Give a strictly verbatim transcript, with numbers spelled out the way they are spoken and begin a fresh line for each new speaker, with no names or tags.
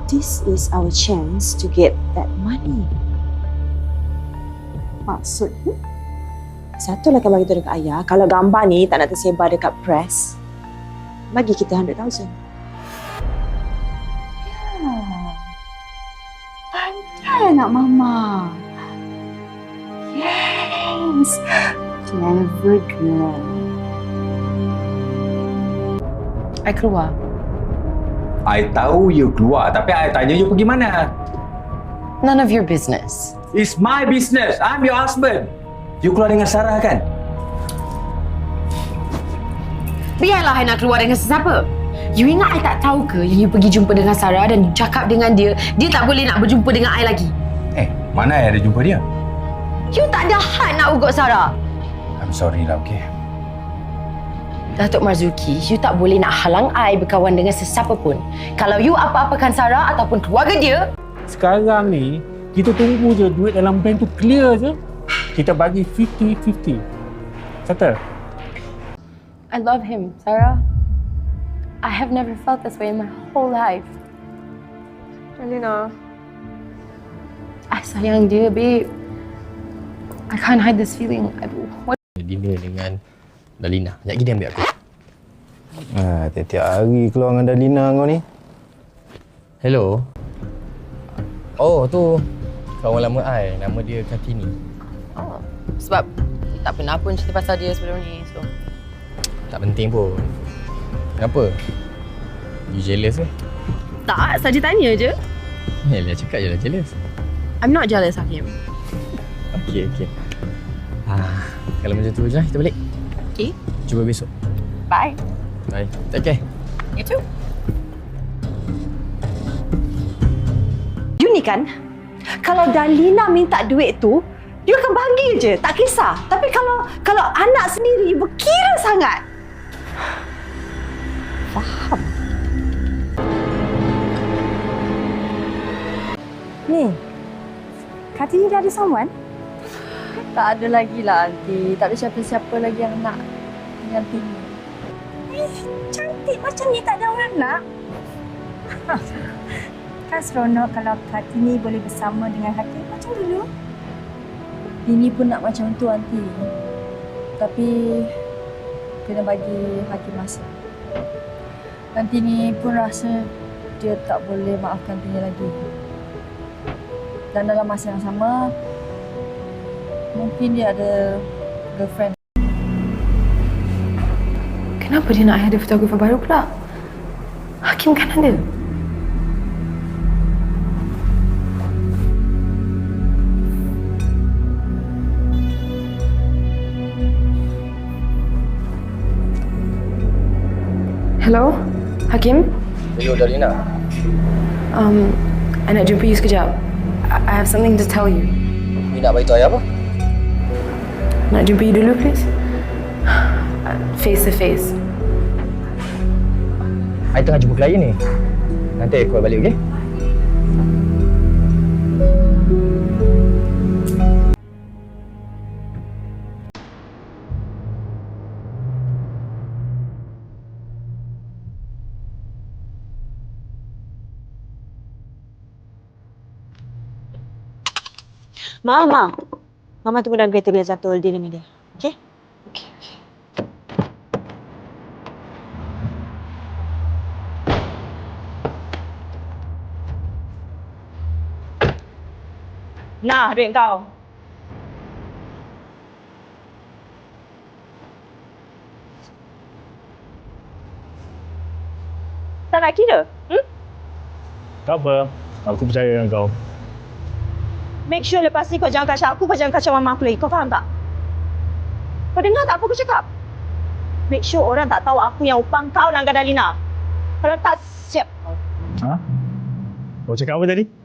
this is our chance to get that money. Maksudnya, satu lah bagi tu dekat ayah. Kalau gambar ni tak nak tersebar dekat press, bagi kita one hundred thousand. Ya. Pandai anak mama. Yes. Clever girl.
I keluar.
I tahu you keluar, tapi I tanya you pergi mana?
None of your business.
It's my business. I'm your husband. You keluar dengan Sarah kan?
Biarlah I nak keluar dengan sesiapa. You ingat I tak tahu ke yang you pergi jumpa dengan Sarah dan cakap dengan dia, dia tak boleh nak berjumpa dengan I lagi?
Eh, mana I ada jumpa dia?
You tak ada hak nak ugut Sarah.
I'm sorry lah, okay?
Datuk Marzuki, you tak boleh nak halang I berkawan dengan sesiapa pun. Kalau you apa-apakan Sarah ataupun keluarga dia...
Sekarang ni, kita tunggu je duit dalam bank tu clear je. Kita bagi fifty fifty. Settle?
I love him, Sarah. I have never felt this way in my whole life.
Alina.
I sayang dia, babe. I can't hide this feeling. I... What?
Dinner dengan Dalina. Sekejap lagi dia ambil aku.
Ah, tiap-tiap hari keluar dengan Dalina kau ni.
Hello. Oh, tu kawan lama I. Nama dia Kartini.
Oh, sebab tak pernah pun cerita pasal dia sebelum ni, so...
Tak penting pun. Kenapa? You jealous ke?
Tak, saja tanya je.
Yalah, cakap je lah jealous.
I'm not jealous, Hakim.
Okey, okey. Ah, kalau macam tu je, kita balik.
Okay.
Jumpa besok.
Bye.
Bye. Take care.
You too.
You ni kan, kalau Dalina minta duit tu, dia akan bagi je, tak kisah. Tapi kalau kalau anak sendiri berkira sangat. Faham?
Ni, Kartini dah ada someone?
Tak ada lagi lah, Aunty. Tak ada siapa-siapa lagi yang nak dengan Tini.
Eh, cantik macam ni tak ada orang nak. Kan seronok kalau Kartini boleh bersama dengan Hakim macam dulu.
Tini pun nak macam tu, Aunty. Tapi kena bagi Hakim masa. Dan Tini pun rasa dia tak boleh maafkan Tini lagi. Dan dalam masa yang sama, mungkin dia ada girlfriend.
Kenapa dia nak ada fotografer baru pula? Hakim kan ada. Hello, Hakim?
Hello, Dalina.
Um, I nak jumpa you sekejap. I I have something to tell you.
You nak beritahu I apa?
Nak jumpa you dulu, please? Face to face.
I tengah jumpa klien ni. Nanti I call balik, okey?
Mama, Mama tunggu dalam kereta biar Zatul dinner media. Okay?
Okay, okay.
Nah, duit kau. Tak nak kira? Hmm?
Tak apa. Aku percaya dengan kau.
Make sure lepas ni kau jangan kacau aku, kau jangan kacau mama aku lagi. Kau faham tak? Kau dengar tak apa aku cakap? Make sure orang tak tahu aku yang upang kau dengan Dalina. Kalau tak, siap kau.
Ha? Kau cakap apa tadi?